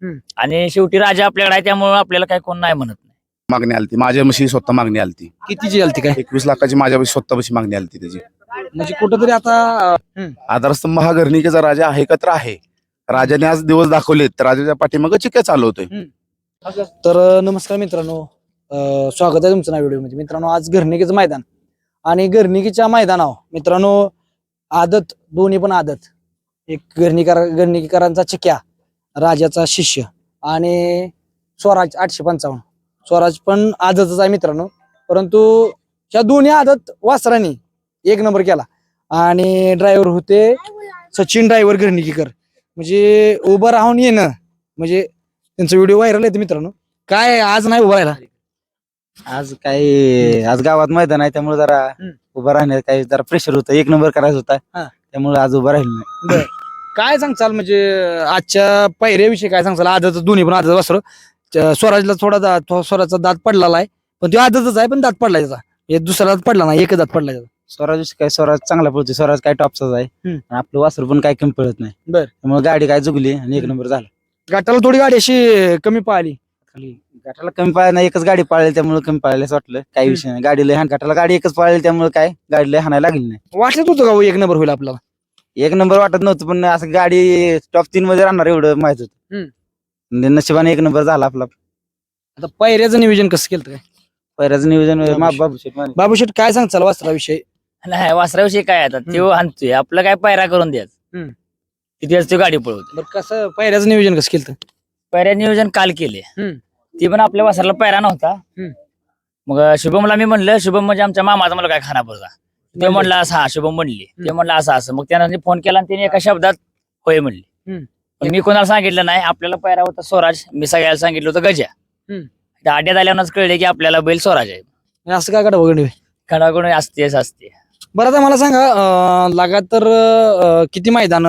आणि शेवटी राजा आपल्याकडे आहे त्यामुळे आपल्याला काय कोण नाही म्हणत नाही. मागणी आलती माझ्या म्हशी स्वतः मागणी आलती. कितीची आलती काय 21 लाखाची माझ्या म्हशी स्वतः म्हशी मागणी आलती त्याची. म्हणजे कुठंतरी आता आधारस्तंभ हा घरणिकेचा राजा आहे का तर आहे. राजाने आज दिवस दाखवलेत तर राजाच्या पाठीमागे चिक्या चालवतोय. तर नमस्कार मित्रांनो, स्वागत आहे तुमचं ना व्हिडिओमध्ये. मित्रांनो, आज घरणिकेचं मैदान आणि घरणिकेच्या मैदानावर मित्रांनो आदत, दोन्ही पण आदत, एक घरणिकेकरांचा चिक्या, राजाचा शिष्य आणि स्वराज 855. स्वराज पण आदतच आहे मित्रांनो, परंतु ह्या दोन्ही आदत वासरांनी एक नंबर केला. आणि ड्रायव्हर होते सचिन ड्रायव्हर घरणिकेकर. म्हणजे उभं राहून येणं म्हणजे त्यांचा व्हिडिओ व्हायरल आहे मित्रांनो. काय आज नाही उभं राहिला? आज गावात मैदान आहे त्यामुळे जरा उभं राहण्यात काही जरा प्रेशर होतं. एक नंबर करायचा होता त्यामुळे आज उभं राहिलं नाही. काय सांगचाल म्हणजे आजच्या पायऱ्याविषयी काय सांगचाल? आदत दोन्ही पण आदत वासर. स्वराजला स्वराजचा दात पडलेला आहे, पण तो आदतच आहे पण दात पडला त्याचा. हे दुसरा दात पडला नाही, एकच दात पडला त्याचा. स्वराज चांगला पळतो. स्वराज काय टॉपचाच आहे आणि आपलं वासर पण काय कमी पळत नाही. त्यामुळे गाडी काय जुगली आणि एक नंबर झाला. गाठाला थोडी गाडी अशी कमी पाहिली, गाठाला कमी पाळली नाही, एकच गाडी पाळली त्यामुळे कमी पाळली असं वाटलं. काही विषय नाही, गाडीला हाण गाठाला गाडी एकच पाळली त्यामुळे काय गाडीला हाणायला लागली नाही. वाटत होतं का हो एक नंबर होईल आपल्याला? एक नंबर वाटत नव्हतं, पण असं गाडी टॉप 3 मध्ये राहणार एवढं माहित होतं. नशिबाने एक नंबर झाला आपला. आता पायऱ्याचं नियोजन कसं केलं काय? पहिल्याचं नियोजन बाबू शेठ काय सांगचाल वासराविषयी? नाही, वासराविषयी काय आता तो आणतोय, आपलं काय पायरा करून द्यायचं. तिथेच तो गाडी पळवतो. बरं, कसं पायऱ्याचं नियोजन कसं केलं? पायऱ्या नियोजन काल केले, ती पण आपल्या वासराला पायरा नव्हता. मग शुभमला मी म्हणलं, शुभम म्हणजे आमच्या मामाचा मला काय खानापूरचा, ते म्हणलं असं, हा शुभम म्हणली, ते म्हणलं असं असं. मग त्यानं फोन केला आणि त्याने एका शब्दात होय म्हणली. मी कोणाला सांगितलं नाही, आपल्याला पायरा होता स्वराज, मी सगळ्याला सांगितलं होतं गजा. त्या आड्यात आल्यावरच कळले की आपल्याला बैल स्वराज आहे. असं काय कडा बघ खडाकडून असतेच असते. बरं, आता मला सांगा, लगातार किती मैदान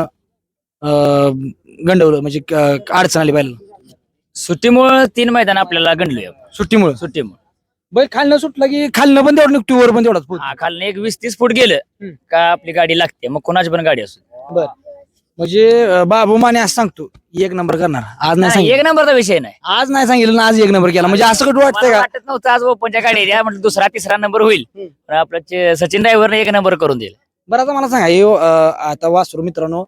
गंडवलं म्हणजे अडचण आली पाहिजे? सुट्टीमुळे 3 मैदान आपल्याला गणलोय. सुट्टीमुळे बैल खालनं सुटला की खालनं पण तेवढं निघतो, वर पण तेवढाच. खालनं एक 20-30 फूट गेलं का आपली गाडी लागते, मग कोणाची पण गाडी असू. बर, म्हणजे बाबू माने असं सांगतो एक नंबर करणार. आज नाही सांगितलं, एक नंबरचा विषय नाही. आज नाही सांगितलं ना, आज एक नंबर केला. म्हणजे असं कुठं वाटतंय मला का? वाटत नव्हतं आज ओपनच्या गाडी द्या म्हटलं, 2रा-3रा नंबर होईल, पण आपलं सचिन ड्रायव्हरने 1 नंबर करून दिला. बरं, आता मला सांगा, हे आता वासरू मित्रांनो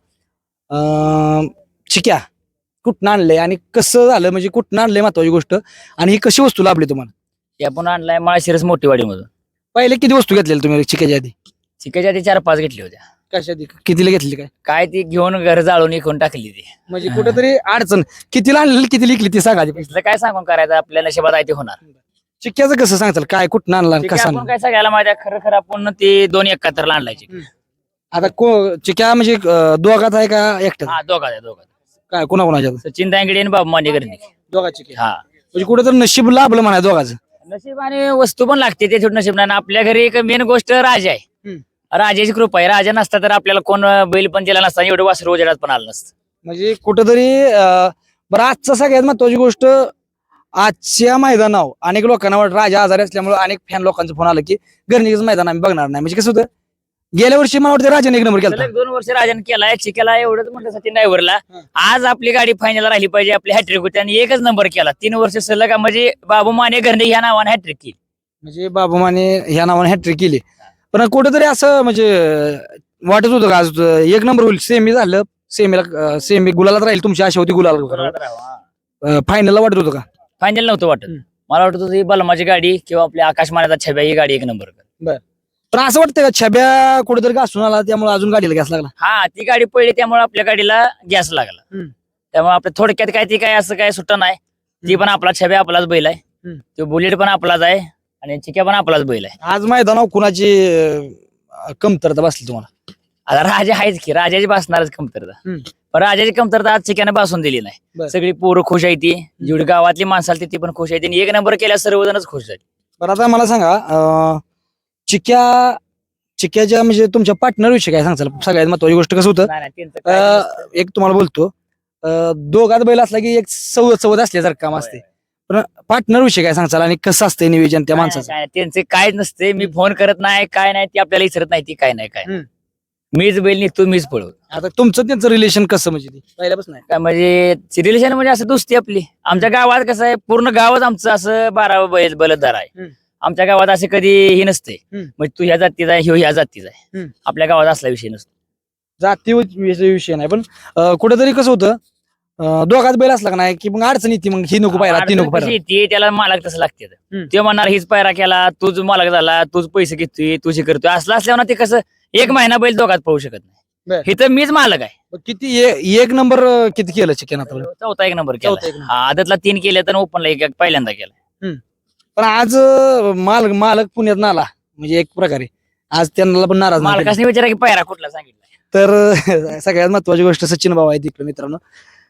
चिक्या कुठनं आणलंय आणि कसं झालं, म्हणजे कुठनं आणलंय महत्वाची गोष्ट, आणि ही कशी वस्तू लाभली तुम्हाला? ते आपण आणलाय माळशिरस मोठीवाडी मधून. पहिले किती वस्तू घेतलेल्या तुम्ही चिक्याच्या आधी? चिकाच्या आधी 4-5 घेतली होत्या. कशा कितीला घेतली काय? ती घेऊन घर जाळून इकून टाकली ती. म्हणजे कुठेतरी अडचण. कितीला आणलेली, किती लिखली ती सांगा. तिथलं काय सांगून करायचं, आपल्या नशिबात आहे ते होणार. चिक्क्याचं कसं सांगताल, काय कुठनं आणला चिक्या कसं आपण म्हणजे आणला? काय सगळ्याला माहिती आहे, खरं आपण ते 2 71 आणलाय चिक्या. आता चिक्या म्हणजे दोघात आहे का एकट्यात? हा, दोघात. काय कोणाच्या? सचिन दांगडे आणि बाबू माने करणे. दोघाची चिक्या. हा, म्हणजे कुठेतरी नशीब लाभलं म्हणा दोघाचं. नशीब आणि वस्तू पण लागते, ते छोट नशीब नाही. आपल्या घरी एक मेन गोष्ट राजा आहे. राजाची कृपा आहे. राजा नसता तर आपल्याला कोण बैल पण दिला नसता, एवढं वासरू उजेडात पण आलं नसतं. म्हणजे कुठेतरी बरं, आजचं सगळ्यात महत्वाची गोष्ट, आजच्या मैदानावर अनेक लोकांना वाटत राजा आजारी असल्यामुळे अनेक फॅन लोकांचा फोन आला की घरणिकेचं मैदान आम्ही बघणार नाही. म्हणजे कसं होतं, गेल्या वर्षी मला वाटतं राजाने 1 नंबर केला. सलग 2 वर्ष राजाने केलाय. चिकेला एवढंच म्हटलं सचिन ड्रायव्हरला, आज आपली गाडी फायनल राहिली पाहिजे, आपली हॅट्रिक होती आणि 1च नंबर केला. 3 वर्ष सलग, म्हणजे बाबू माने घरणे ह्या नावाने हॅट्रिक केली. म्हणजे बाबू माने ह्या नावाने हॅट्रिक केली. पण कुठेतरी असं म्हणजे वाटत होतं का आज 1 नंबर होईल? सेमी झालं, सेमी गुलालात राहील, तुमची आशा होती गुलाला. फायनलला वाटत होतं का? फायनल नव्हतं वाटत. मला वाटत होतं ही बलमाची गाडी किंवा आपल्या आकाश मानेचा छब्या ही गाडी 1 नंबर कर. पण असं वाटतं का छब्या कुठेतरी घासून आला त्यामुळे अजून गाडीला गॅस लागला? हा, ती गाडी पडली त्यामुळे आपल्या गाडीला गॅस लागला. त्यामुळे आपल्या थोडक्यात काय ती काय असं काय सुट्टा नाही. ती पण आपला छब्या आपलाच बैल आहे, तो बुलेट पण आपलाच आहे आणि चिक्या पण आपलाच बैल आहे. आज मैदानावर कुणाची कमतरता बसली तुम्हाला? आता राजा आहेच की, राजाची बसणारच कमतरता. पण राजाची कमतरता आज चिक्याने बसून दिली नाही. सगळी पोरं खुश आहे, ती जेवढी गावातली माणसं आली ती पण खुश आहे, आणि 1 नंबर केल्या सर्वजणच खुश आहेत. बरं, आता मला सांगा, चिक्याच्या म्हणजे तुमच्या पार्टनर विषयी काय सांगचाल? सगळ्यात महत्वाची गोष्ट कसं होतं, नाही, त्यांचं काय नसतं. एक तुम्हाला बोलतो, दोघात बैल असला की एक सवत असल्यासारखं काम असते. पण पार्टनर विषयी काय सांगचाल आणि कसं असतं नियोजन त्या माणसाचं? त्यांचे काय नसते. मी फोन करत नाही, काय नाही, ती आपल्याला विचारत नाही, ती काय नाही काय. मीच बैल निघतो मीच पळवतो. आता तुमचं त्यांचं रिलेशन कसं म्हणजे ते पहिल्यापासून आहे? काय म्हणजे रिलेशन म्हणजे असं दोस्ती आपली. आमच्या गावात कसं आहे, पूर्ण गावच आमचं असं 12 बलतदार आहे. हम्म. आमच्या गावात असे कधी हे नसते म्हणजे तू ह्या जातीचा आहे, ह्यो ह्या जातीचा आहे. हम्म. आपल्या गावात असला विषय नसतो. जाती विषय नाही, पण कुठेतरी कसं होतं, दोघात बैल असला का नाही की मग अडचण येते, मग ही नको पायरा ती नको अडचण पायरा. कशी येते, त्याला मालक तसं लागते. हम्म. ते म्हणणार हीच पायरा केला, तूच मालक झाला, तूच पैसे घेतोय, तुझी करतोय, असलं असल्यावर ना ते कसं एक महिना बैल दोघात पळू शकत बर. नाही. इथं मीच मालक आहे. मग किती एक नंबर किती केलं चिकन आता? चौथा एक नंबर चौथा केला. एक नंबर. आदतला 3 केले तर ओपनला एक पहिल्यांदा केला. पण आज मालक पुण्यात आला म्हणजे एक प्रकारे आज त्यांना पण नाराज नाही केलं. मालकाने विचारा की पायरा कुठला सांगितला. तर सगळ्यात महत्वाची गोष्ट सचिन भाऊ आहे तिकडे मित्रांनो.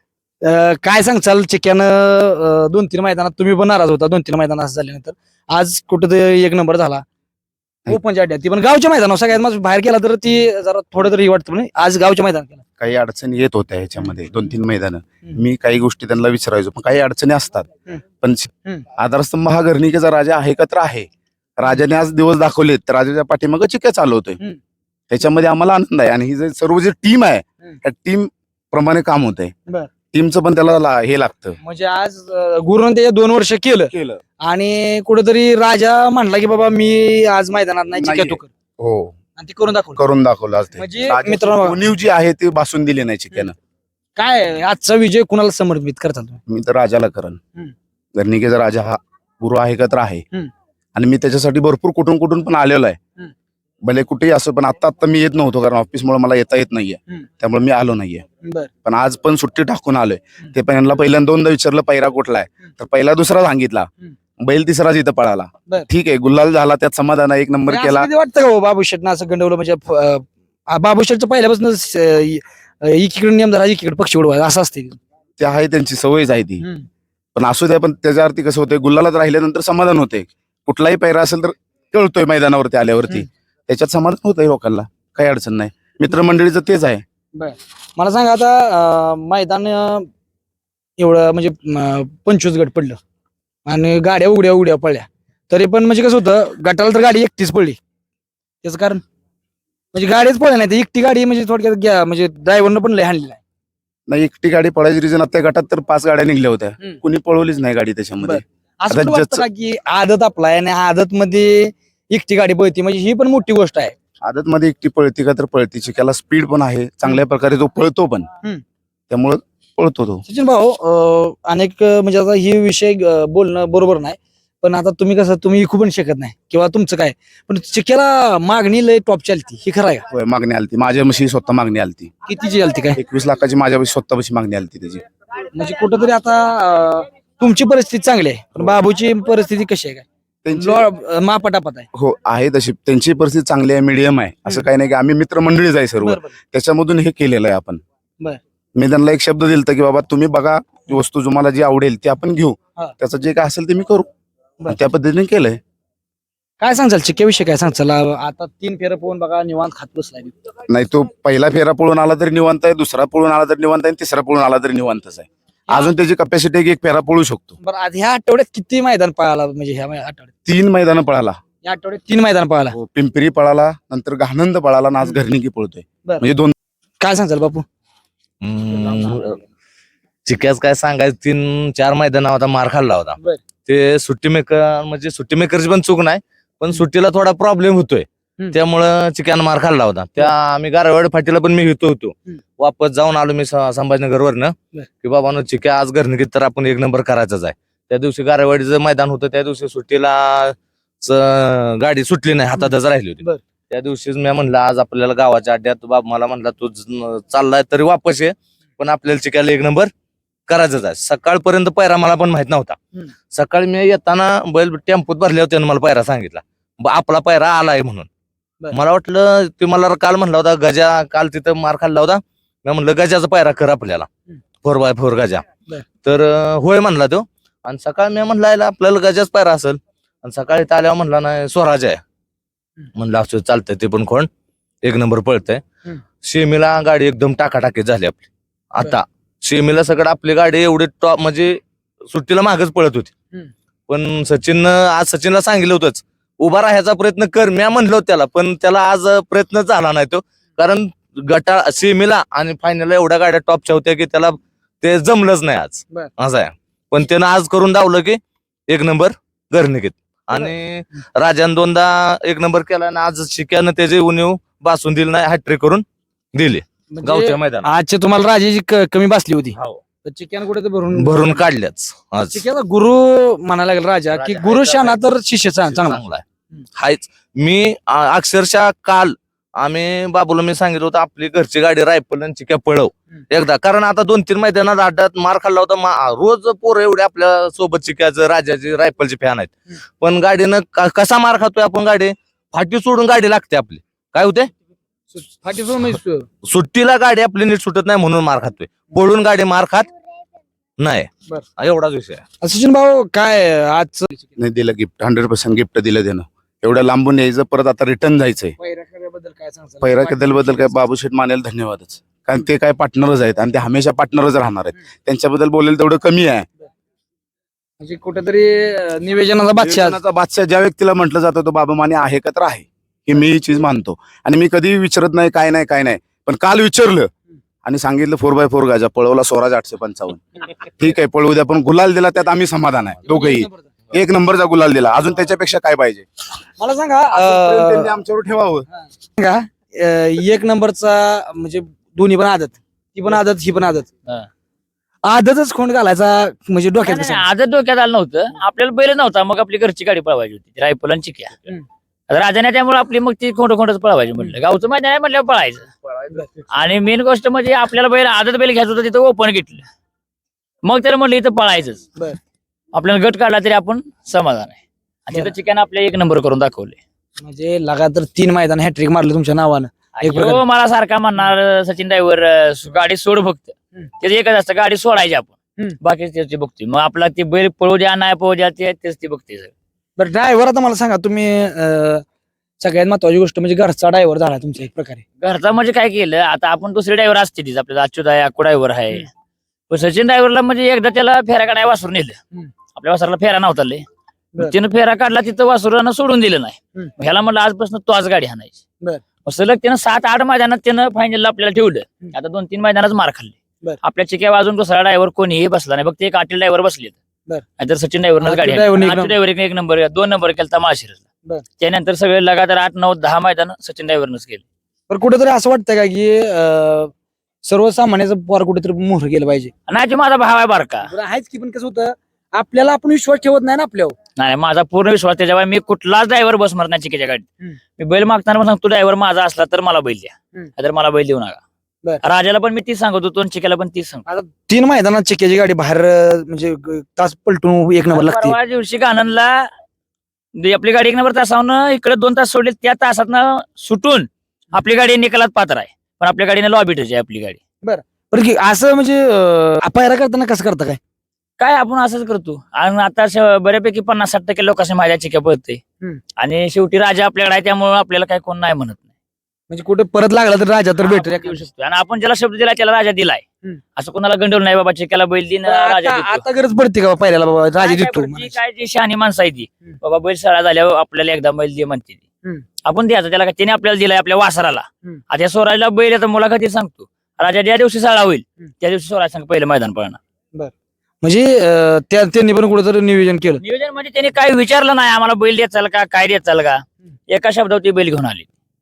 काय सांगचाल चिक्यानं 2-3 मैदानात तुम्ही पण नाराज होता, 2-3 मैदानात असं झाल्यानंतर आज कुठेतरी एक नंबर झाला ओपनच्या अड्ड्यात, ती पण गावच्या मैदानावर. सगळ्यात माझं बाहेर केला तर ती जरा थोडं तरी वाटतं, पण आज गावच्या मैदानात केला. काही अडचणी येत होत्या ह्याच्यामध्ये 2-3 मैदानं. मी काही गोष्टी त्यांना विचारायचो, पण काही अडचणी असतात. पण आधारस्तंभ हा घरणिकेचा राजा आहे का तर आहे. राजाने आज दिवस दाखवलेत, तर राजाच्या पाठीमागं चिक्या चालवतोय. त्याच्यामध्ये आम्हाला आनंद आहे. आणि ही जे सर्व जी टीम आहे त्या टीम प्रमाणे काम होतंय. बर. टीमचं पण त्याला हे लागतं. म्हणजे आज गुरुनं ते 2 वर्ष केलं आणि कुठेतरी राजा म्हणला की बाबा मी आज मैदानात नाही, चिक्या तू कर. हो, आणि ते करून दाखवलं. करून दाखवलं आज ते. म्हणजे राजाची मित्रांनो, उणीव जी आहे ती भासून दिली नाही चिक्यानं. काय आजचा विजय कुणाला समर्पित करताल तुम्ही? मी तर राजाला करण. घरणिकेचा राजा हा गुरु आहे का तर आहे. आणि मी त्याच्यासाठी भरपूर कुठून पण आलेलो आहे. भले कुठेही असो, पण आता मी येत नव्हतो कारण ऑफिसमुळे मला येता येत नाहीये, त्यामुळे मी आलो नाहीये. बर. पण आज पण सुट्टी टाकून आलोय. ते पण यांना पहिल्यांदा 2दा विचारलं पैरा कुठला आहे, तर पहिला दुसरा सांगितला, बैल तिसराच इथं पळाला. बर. ठीक आहे, गुलाल झाला, त्यात समाधान आहे, एक नंबर म्हणजे केला. असं कधी वाटतं का बाबू शेटनं असं गंडवलं म्हणजे बाबू शेटचं पहिल्यापासून एकीकडे नियम धरा एकीकडे पक्षी उडवा असं असते? ते आहे, त्यांची सवयच आहे ती. पण असू द्या, पण त्याच्या अर्थी कसं होतंय, गुलालात राहिल्यानंतर समाधान होते. कुठलाही पैरा असेल तर कळतोय मैदानावरती आल्यावरती, त्याच्यात समाधान होतंय लोकांना, काही अडचण नाही. मित्रमंडळीचं तेच आहे. मला सांगा आता मैदान एवढं म्हणजे 25 गट पडलं आणि गाड्या उड्या पडल्या, तरी पण म्हणजे कसं होतं, गटाला तर गाडी एकटीच पडली. त्याचं कारण म्हणजे गाडीच पडल्या नाही, एकटी गाडी म्हणजे थोडक्यात म्हणजे ड्रायव्हरनं पण लय हाणली नाही. एकटी गाडी पळायची रिझन आता गटात तर 5 गाड्या निघल्या होत्या, कुणी पळवलीच नाही गाडी त्याच्यामध्ये. असं पण वाटतं का की आदत आपला आहे आणि आदत मध्ये एकटी गाडी पळती, म्हणजे ही पण मोठी गोष्ट आहे. आदत मध्ये एकटी पळती का तर पळती, चिक्याला स्पीड पण आहे, चांगल्या प्रकारे तो पळतो पण, त्यामुळे पळतो तो. सचिन भाऊ, अनेक म्हणजे आता ही विषय बोलणं बरोबर नाही, पण आता तुम्ही कसं तुम्ही इकू पण शकत नाही किंवा तुमचं काय, पण चिक्याला मागणी लय टॉप चालती, ही खरं आहे का? होय, मागणी आलती माझ्या म्हशी स्वतः मागणी आलती. कितीची आलती काय? 21 लाखाची माझ्या स्वतःपाशी मागणी आलती त्याची. म्हणजे कुठंतरी आता तुमची परिस्थिती चांगली आहे, पण बाबूची परिस्थिती कशी आहे काय? त्यांची मापटापट आहे. हो आहे तशी, त्यांची परिस्थिती चांगली आहे, मीडियम आहे. असं काही नाही की आम्ही मित्रमंडळीच आहे सर्व, त्याच्यामधून हे केलेलं आहे आपण. मी त्यांना एक शब्द दिलता की बाबा तुम्ही बघा, वस्तू तुम्हाला जी आवडेल ती आपण घेऊ, त्याचं जे काय असेल ते मी करू. त्या पद्धतीने केलंय. काय सांगचाल चिक्याविषयी, काय सांगचाल? आता 3 फेरं पोहून बघा निवांत खात बसलाय. नाही, तो पहिला फेरा पळून आला तरी निवांत आहे, दुसरा पळून आला तरी निवांत आहे, तिसरा पळून आला तरी निवांतच आहे. अजून त्याची कॅपॅसिटी एक फेरा पळू शकतो. बरं, आज ह्या आठवड्यात किती मैदान पळाला? म्हणजे ह्या आठवड्यात 3 मैदान पळाला. या आठवड्यात 3 मैदान पळाला. पिंपरी पळाला, नंतर घाणंद पळाला, आणि आज घरणिकी पळतोय. म्हणजे 2. काय सांगचाल बापू? चिक्याच काय सांगायचं, 3-4 मैदानावर होता, मार खाल्ला होता. ते सुट्टी मेकर म्हणजे सुट्टी मेकरची पण चूक नाही, पण सुट्टीला थोडा प्रॉब्लेम होतोय, त्यामुळं चिक्यानं मार खाल्ला होता. त्या आम्ही गारवाड फाटीला पण मी होतो. वापस जाऊन आलो मी संभाजीनगरवरनं की बाबा चिक्या आज घरणिकीत तर आपण 1 नंबर करायचाच आहे. त्या दिवशी गारवाडीचं मैदान होतं, त्या दिवशी सुट्टीला गाडी सुटली नाही, हातातच राहिली होती. त्या दिवशीच मी म्हणलं आज आपल्याला गावाच्या अड्ड्यात, बाबा मला म्हणला तू चाललाय तरी वापस ये, पण आपल्याला चिक्याला 1 नंबर करायचंच आहे. सकाळपर्यंत पायरा मला पण माहित नव्हता. सकाळी मी येताना बैल टेम्पोत भरले होते, मला पायरा सांगितला, आपला पायरा आलाय म्हणून. मला वाटलं ते मला काल म्हणला होता गजा, काल तिथं मार खाल्ला होता, मी म्हणलं गजाचा पायरा कर आपल्याला 4x4 गजा, तर होय म्हणला तो. आणि सकाळी मी म्हणला आपल्याला गजाच पायरा असेल, आणि सकाळी आल्यावर म्हणला नाही स्वराज आहे. म्हणलं असं चालतंय, ते पण कोण 1 नंबर पळतंय. शेमीला गाडी एकदम टाकाटाकी झाली आपली. आता शेमीला सगळं आपली गाडी एवढी टॉप म्हणजे सुट्टीला मागच पळत होती, पण सचिनला सांगितलं होतंच उभा राहायचा प्रयत्न कर, मी म्हणलो त्याला, पण त्याला आज प्रयत्न झाला नाही तो, कारण गटा सेमीला आणि फायनलला एवढ्या गाड्या टॉपच्या होत्या की त्याला ते जमलंच नाही आज. बर. असं आहे. पण त्यानं आज करून दावलं की 1 नंबर घरनिकेत. आणि राजान 2दा 1 नंबर केला आणि आज शिक्यानं त्याची उणीव बासून दिली नाही, हॅट्रिक करून दिली म्हणजे गावच्या मैदानात. आजचे तुम्हाला राजाची कमी बसली होती हो. तर चिक्यान कुठे तर भरून भरून काढल्याच आज. चिक्याचा गुरु म्हणायला लागेल राजा की राजा गुरु आहे, शाना तर शिष्य चांगला. चांगला आहे. हायच. मी अक्षरशः काल आम्ही बाबूला मी सांगितलं होतं आपली घरची गाडी रायफल आणि चिक्या पळव एकदा, कारण आता 2-3 मैदानात अड्ड्यात मार खाल्ला होता. रोज पोरं एवढे आपल्या सोबत चिक्याचं राजाची रायफलची फॅन आहेत, पण गाडीनं कसा मार खातोय आपण. गाडी फाटी सोडून गाडी लागते आपली. काय होते फाटी सोडून म्हणजे सुट्टीला गाडी आपली नीट सुटत नाही म्हणून मार खातोय. पळून गाडी मार खात नाही. एवढाच विषय आहे. सचिन भाऊ काय आज नाही दिलं गिफ्ट, 100% गिफ्ट दिलं त्यानं. एवढं लांबून यायचं, परत आता रिटर्न जायचंय. पैराबद्दल काय सांगता? पैरा बद्दल काय बाबूशेठ मानेला धन्यवादच, कारण ते काय पार्टनरच आहेत आणि ते हमेशा पार्टनरच राहणार आहेत. त्यांच्याबद्दल बोलेल तेवढं कमी आहे. म्हणजे कुठेतरी निवेदनाचा बादशाह. निवेदनाचा बादशाह ज्या व्यक्तीला म्हटलं जातं तो बाबा माने आहे का तर आहे, हे मी ही चीज मानतो. आणि मी कधी विचारत नाही काय नाही, पण काल विचारलं आणि सांगितलं 4x4 गाजा पळवला स्वराज 855. ठीक आहे, पळवू द्या, पण गुलाल दिला त्यात आम्ही समाधान आहे. दोघंही 1 नंबरचा गुलाल दिला, अजून त्याच्यापेक्षा काय पाहिजे. मला सांगा त्यांनी आमच्यावर ठेवावं. सांगा 1 नंबरचा म्हणजे दोन्ही पण आदत, ती पण आदत ही पण आदत. हा. आदतच खोंड घालायचा म्हणजे डोक्यात नाही, आजच डोक्यात आलं नव्हतं. आपल्याला बैल नव्हता, मग आपली घरची गाडी पळवायची होती रायफल आणि चिक्या. आता राजाने त्यामुळे आपली मग ती खोटच पळवायची म्हटलं. गावचं मैदान आहे म्हटल्यावर पळायचं. आणि मेन गोष्ट म्हणजे आपल्याला बैल आदत बैल घ्यायचं होतं, तिथं ओपन घेतलं. मग त्याला म्हटलं इथं पळायचंच. बरं. आपल्याला गट काढला तरी आपण समाधान आहे. आणि तिथं चिक्यानं आपल्या 1 नंबर करून दाखवले. म्हणजे लगातार 3 मैदान हॅट्रिक मारले तुमच्या नावानं. एक प्रकारे. हो, मला सारखा म्हणणार सचिन ड्रायव्हर गाडी सोड फक्त. त्याचं एकच असतं, गाडी सोडायची आपण, बाकी त्याची बघते. मग आपला ती बैल पळू द्या नाही पळू द्या तेच ती बघते. बरं ड्रायव्हर, आता मला सांगा तुम्ही सगळ्यात महत्वाची गोष्ट म्हणजे घरचा ड्रायव्हर झाला तुमचा एक प्रकारे. घरचा म्हणजे काय केलं, आता आपण दुसरे ड्रायव्हर असते तीच, आपल्याला अच्युत आहे, अक्कू ड्रायव्हर आहे. पण सचिन ड्रायव्हरला म्हणजे एकदा त्याला फेरा काढायला वासरून नेलं. आपल्या वासराला फेरा नव्हता लय. बरं. त्यानं फेरा काढला, तिथं वासुरानं सोडून दिलं नाही. ह्याला म्हणलं आजपासून तो आज गाडी हाणायची. बरं. मग सलग त्यानं 7-8 मैदानात त्यानं फायनलला आपल्याला ठेवलं. आता 2-3 मैदानात मार खाल्ले. बरं. आपल्या चिक्या वाजून दुसरा ड्रायव्हर कोणीही बसला नाही, फक्त एक आटील ड्रायव्हर बसले. बरं. नाहीतर सचिन ड्रायव्हरनं गाडी आटील driver ने एक हाणली. आटील ड्रायव्हर 1 नंबर 2 नंबर केला माळशिरसला. बरं. त्यानंतर सगळे लगातार 8-9-10 मैदान सचिन ड्रायव्हरनंच केले. पण कुठेतरी असं वाटतं का की सर्वसामान्याचं पोर कुठेतरी मोहर गेलं पाहिजे. नाही, तो माझा भाव आहे बारका. बरं आहेच की, पण कसं होतं आपल्याला आपण विश्वास ठेवत नाही ना आपल्यावर. नाही, माझा पूर्ण विश्वास त्याच्यावर. मी कुठलाच ड्रायव्हर बसणार नाही चिक्याच्या गाडीत. मी बैल मागताना पण सांगतो, ड्रायव्हर माझा असला तर मला बैल द्या, तर मला बैल देऊ नका. बरं. राजाला पण मी तीच सांगत होतो आणि चिक्याला पण तीच सांगतो. 3 मैदानात चिक्याची गाडी बाहेर म्हणजे तास पलटून 1 नंबर लागते. परवा दिवशी गाणंदला आपली गाडी 1 नंबर तासावनं इकडे 2 तास सोडले, त्या तासातनं सुटून आपली गाडी निकालात पात्र आहे. पण आपल्या गाडीने लॉबी टच आहे आपली गाडी. बरं की असं म्हणजे पायरा करताना कसं करता काय आपण असंच करतो. आणि आता बऱ्यापैकी 50-60% लोकांनी माझ्या चिक्या पळते. आणि शेवटी राजा आपल्याकडे आहे, त्यामुळे आपल्याला काय कोण नाही म्हणत नाही. म्हणजे कुठे परत लागला तर राजा तर भेटेल. आपण देऊ शकतो. आणि आपण ज्याला शब्द दिला त्याला राजा दिलाय. असं कोणाला गंडवलं नाही, बाबा चिक्याला बैल दिन राजा देतो. आता गरज पडते का पायऱ्याला बाबा राजा काय देतो? पडती, काय जी शहाणी माणसं आहे ती, बाबा बैल सळा झाल्यावर आपल्याला एकदा बैल दे म्हणते ती. आपण द्यायचं त्याला, त्याने आपल्याला दिलाय आपल्या वासराला. आता या स्वराजला बैल आता मुलाखतीत सांगतो, राजा ज्या दिवशी सळा होईल त्या दिवशी स्वराज सांग पहिलं मैदान पळणार. म्हणजे त्यांनी पण कुठेतरी नियोजन केलं. नियोजन म्हणजे त्यांनी काय विचारलं नाही आम्हाला बैल देत चाल का, काय देत चाल का, एका शब्दावर ती बैल घेऊन आली.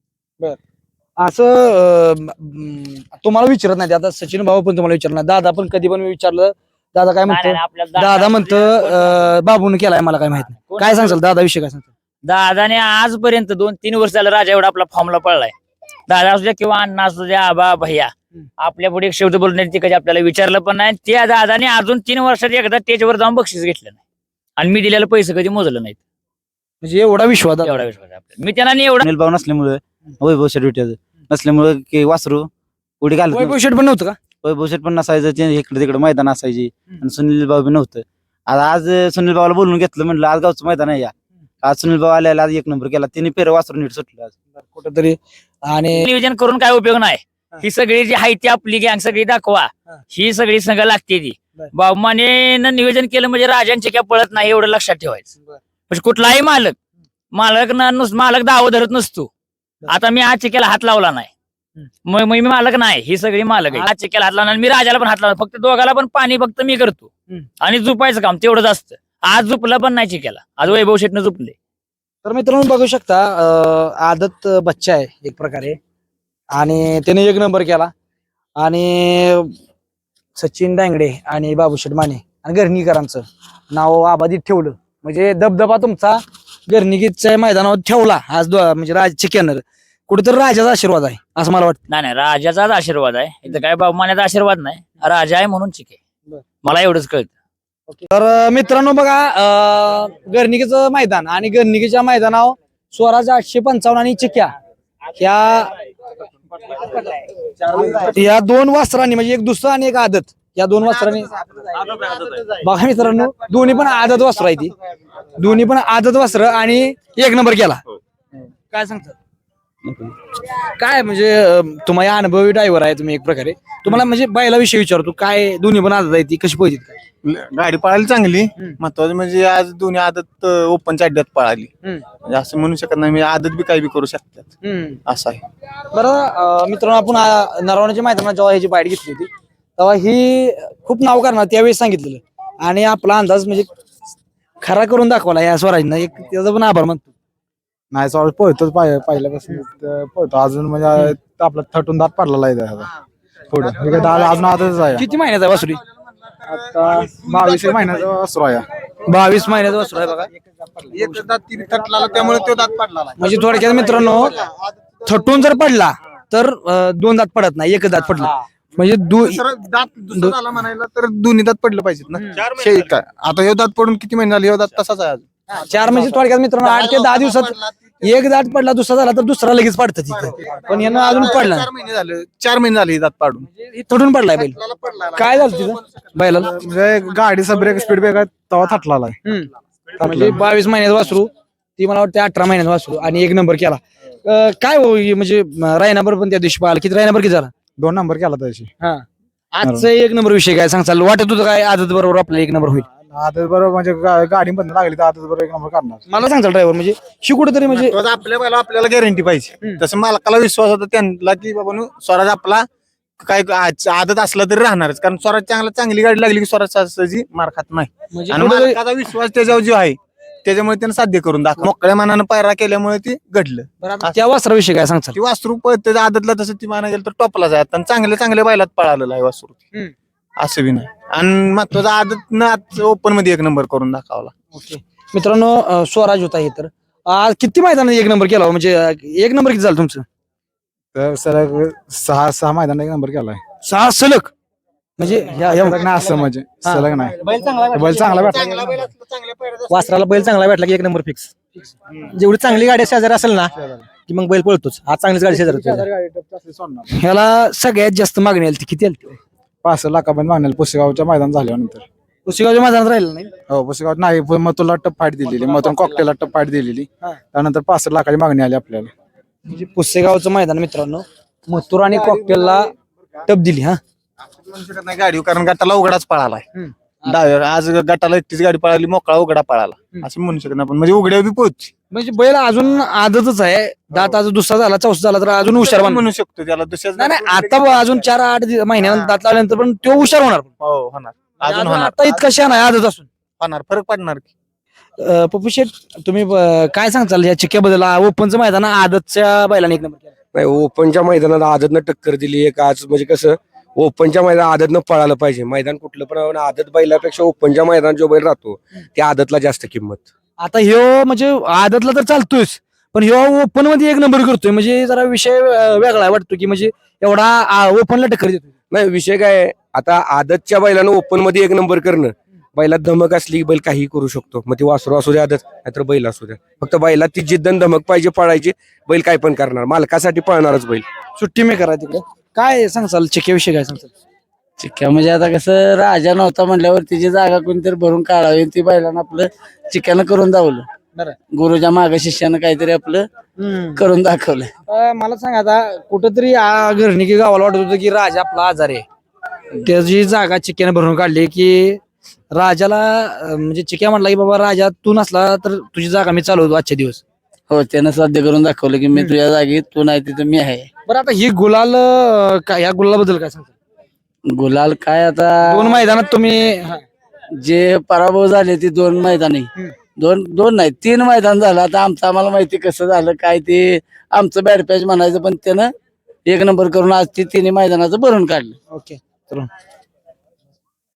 असं तुम्हाला विचारत नाही, आता सचिन भाऊ पण तुम्हाला विचारत नाही, दादा पण कधी पण विचारलं, दादा काय म्हणतो, दादा म्हणतं बाबून केलाय मला काय माहित नाही. काय सांगशाल दादा विषय, काय सांगतो? दादाने आजपर्यंत 2-3 वर्ष झालं राजा एवढा आपला फॉर्मला पळलाय. दादा असू द्या किंवा अण्णा असू द्या, आबा भैया, आपल्या पुढे एक शब्द बोलण्याची ती कधी आपल्याला विचारलं पण नाही. त्या दादाने अजून 3 वर्षात एकदा स्टेजवर जाऊन बक्षीस घेतलं नाही. आणि मी दिलेलं पैसे कधी मोजलं नाहीत. म्हणजे एवढा विश्वास एवढा विश्वास आहे आपल्याला. मी त्यांना नाही एवढा सुनील भाऊ नसल्यामुळे, वैभव शेट विट्याचं नसल्यामुळे की वासरू उडी घालत वैभव शेट पण नव्हतं का? वैभव शेट पण नसायचं, ते इकडे तिकडे मैदान असायची आणि सुनील भाऊ बी नव्हतं. आज सुनील भाऊला बोलून घेतलं, म्हणलं आज गावचं मैदान आहे या. आज सुनील भाऊ आल्याला आज 1 नंबर केला, तिने पेर वासरू नीट सुटलं आज कुठेतरी. आणि नियोजन करून काय उपयोग नाही. ही सगळी जी आहे ती आपली गँग सगळी दाखवा, ही सगळी संघ लागते ती. बाबमाने नियोजन केलं म्हणजे राजांची काय पळत नाही एवढं लक्षात ठेवायचं. म्हणजे कुठलाही मालक मालक दावा धरत नसतो. आता मी आज चिक्याला हात लावला नाही, मी मालक नाही, ही सगळी मालक आहे. आज चिक्याला हात लावणार, मी राजाला पण हात लावणार, फक्त दोघाला पण पाणी फक्त मी करतो आणि झुपायचं काम तेवढंच असतं. आज झुपलं पण नाही चिक्याला, आज वैभव शेटनं झुपले. तर मित्रांनो बघू शकता आदत बच्चा आहे एक प्रकारे आणि त्याने 1 नंबर केला आणि सचिन डांगडे आणि बाबूशेठ माने आणि गर्णीकरांचं नाव आबाधित ठेवलं. म्हणजे दबदबा तुमचा गर्णिकीच्या मैदानावर ठेवला आज म्हणजे राज चिक्यानं. कुठेतरी राजाचा आशीर्वाद आहे असं मला वाटतं. नाही राजाचाच आशीर्वाद आहे इथं, काय बाबूमान्याचा आशीर्वाद नाही, राजा आहे म्हणून चिके. मला एवढंच कळतं. तर मित्रांनो बघा गर्णिकीचं मैदान आणि गर्णिकीच्या मैदानावर स्वराज 855 आणि चिक्या या 2 वासरांनी म्हणजे एक दुसरा आणि एक आदत, या 2 वासरांनी बघा मित्रांनो दोन्ही पण आदत वासर आहे ती, दोन्ही पण आदत वासर आणि 1 नंबर केला. काय सांगतात काय म्हणजे तुम्हाला अनुभवी ड्रायव्हर आहे तुम्ही एक प्रकारे, तुम्हाला म्हणजे बैलाविषयी विचारतो काय दोन्ही पण आदत आहे ती कशी पाहिजे काय? गाडी पळाली चांगली. महत्वाचं म्हणजे आज दोन्ही आदत ओपनच्या अड्ड्यात पळाली. म्हणजे असं म्हणू शकत नाही, म्हणजे आदत बी काही बी करू शकतात असं आहे. बरं मित्रांनो आपण नरवण्याच्या मैदानात जेव्हा ह्याची बाईट घेतली होती तेव्हा ही खूप नाव करणार त्यावेळेस सांगितलेलं आणि आपला अंदाज म्हणजे खरा करून दाखवला या स्वराजनं, एक त्याचा पण आभार मानतो. नाही सॉरी पळतोच पहिल्यापासून पळतो अजून म्हणजे आपला थटून दात पडलेला आहे त्याचा. पुढे अजून आताच आहे. किती महिन्याचा वासुरी? आता 22 महिन्याचा वासरू आहे. 22 महिन्याचा वासरू आहे बघा. एक दात तिने थटला त्यामुळे तो दात पडला. म्हणजे थोडक्यात मित्रांनो थटून जर पडला तर 2 दात पडत नाही, 1 दात पडला म्हणजे दात दुसरा झाला म्हणायला तर दोन्ही दात पडलं पाहिजेत ना. काय आता हे दात पडून किती महिने झाले, हे दात तसाच आहे अजून. 4 म्हणजे थोडक्यात मित्रांनो 8 ते 10 दिवसात 1 दात पडला, दुसरा झाला तर दुसरा लगेच पडतं तिथं, पण यानं अजून पडला 4 महिने झाले हे दात पाडून. थटून पडलाय बैल. काय झालं तिथं बैलाला? म्हणजे गाडीचा ब्रेक स्पीड ब्रेक आहे तेव्हा थटलेला आहे. म्हणजे 22 महिन्याचं वासरू, ती मला वाटतं 18 महिन्याचं वासरू आणि 1 नंबर केला. काय हो म्हणजे रायनाबर पण त्या दिवशी पाहिला, किती रायनाबर किती झाला? 2 नंबर केला त्याची. हा आजचा 1 नंबर विषय काय सांगचाल? वाटत होतं काय आदत बरोबर आपल्याला 1 नंबर होईल? आदत बरोबर म्हणजे गाडी बंद लागली तर आदत बरोबर 1 नंबर करणार. मला सांगचाल ड्रायव्हर म्हणजे शिकुड तरी म्हणजे आपल्या बैला आपल्याला गॅरंटी पाहिजे. तसं मालकाला विश्वास होता त्यांना की बाबा स्वराज आपला काय आदत असला तरी राहणारच, कारण स्वराज चांगली गाडी लागली की स्वराज सहजासहजी मार खात नाही. म्हणजे आणि मालकाचा विश्वास त्याच्यावर जो आहे त्याच्यामुळे त्यानं साध्य करून दाखव. मोकळ्या मनानं पायरा केल्यामुळे ते घडलं. त्या वासराविषयी काय सांगचाल? ती वासरू त्याच्या आदतला तसं ती माना गेलं तर टॉपला जात आणि चांगल्या बैलात पळालेलं आहे वासरू. असं बी नाही आणि महत्वाचं आदत ओपन मध्ये 1 नंबर करून दाखवला. ओके मित्रांनो स्वराज होता हे तर आज किती मैदानात 1 नंबर केला म्हणजे 1 नंबर किती झालं तुमचं? तर सलग 6 मैदान 1 नंबर केलाय. 6 सलग म्हणजे सलग नाही असं म्हणजे सलग नाही. बैल चांगला भेटला. वासराला बैल चांगला भेटला की 1 नंबर फिक्स. जेवढी चांगली गाडी शेजारी असेल ना की मग बैल पळतोच. आज चांगलीच गाडी शेजारी होती. ह्याला सगळ्यात जास्त मागणी आली ती किती आली? 65 लाखापर्यंत मागण्याला पुसेगावच्या मैदान झाल्यानंतर. पुसेगावच्या मैदानात राहिलं नाही? हो पुसेगाव नाही, मथुरला टप फाईट दिलेली, मथुर कॉकटेलला टप फाईट दिलेली, त्यानंतर 65 लाखाची मागणी आली आपल्याला. म्हणजे पुसेगावचं मैदान मित्रांनो मथुर आणि कॉकटेलला टप दिली. हा म्हणू शकत नाही गाडी, कारण गटाला उघडाच पळालाय. आज गटाला एकटीच गाडी पळाली, मोकळा उघडा पळाला असं म्हणू शकत नाही. पण म्हणजे उघड्या बी पोहोच म्हणजे बैल अजून आदतच आहे. दात अजून दुसरा झाला चौथा झाला तर अजून हुशार बनणार. म्हणू शकतो त्याला दुसऱ्या. नाही आता अजून 4-8 महिन्यानंतर दात लावल्यानंतर पण तो हुशार होणार. हो होणार, अजून होणार, आता इतका शान आहे आदत असून. होणार, फरक पडणार. पप्पू शेठ तुम्ही काय सांगताल या चिक्याबद्दल? ओपनचं मैदान आदतच्या बैलाने 1 नंबर केला. नाही ओपनच्या मैदानात आदतनं टक्कर दिली एक. आज म्हणजे कसं ओपनच्या मैदानात आदतनं पळालं पाहिजे. मैदान कुठलं पण आदत बैलापेक्षा ओपनच्या मैदानात जो बैल राहतो त्या आदतला जास्त किंमत. आता ह्यो म्हणजे आदतला तर चालतोयच पण ह्यो ओपन मध्ये 1 नंबर करतोय म्हणजे जरा विषय वेगळा वाटतो की म्हणजे एवढा ओपनला टक्कर देतो. नाही विषय काय आहे, आता आदतच्या बैलानं ओपन मध्ये 1 नंबर करणं, बैलात धमक असली की बैल काही करू शकतो. मग ती वासरू असू द्या आदत नाहीतर बैल असू द्या, फक्त बैलात ती जिद्द आणि धमक पाहिजे पळायची. बैल काय पण करणार, मालकासाठी पळणारच बैल. सुट्टी मेकर आहे तिकडे. काय सांगचाल चिक्याविषयी काय सांगचाल? चिक्क्या म्हणजे आता कसं राजा नव्हता म्हटल्यावर तिची जागा कोणतरी भरून काढावी, ती बैलानं आपलं चिक्क्यानं करून दावलं. गुरुच्या मागे शिष्यानं काहीतरी आपलं करून दाखवलं. मला सांग आता कुठंतरी घरनिकी गावाला वाटत होतं की राजा आपला आजार आहे, त्याची जागा चिक्क्यानं भरून काढली की राजाला म्हणजे चिक्या म्हटला की बाबा राजा तू नसला तर तुझी जागा मी चालवतो आजचे दिवस. हो त्यानं साध्य करून दाखवलं की मी तुझ्या जागी तू नाही तिथं मी आहे. बरं आता ही गुलाल काय या गुलालाबद्दल काय सांगता? गुलाल काय आता 2 मैदानात तुम्ही हा. जे पराभव झाले ती 2 मैदानी दोन नाही 3 मैदान झालं. आता आमचं आम्हाला माहिती कसं झालं काय ते आमचं बॅड पॅच म्हणायचं पण त्यानं 1 नंबर करून आज ती 3 मैदानाचं भरून काढलं. ओके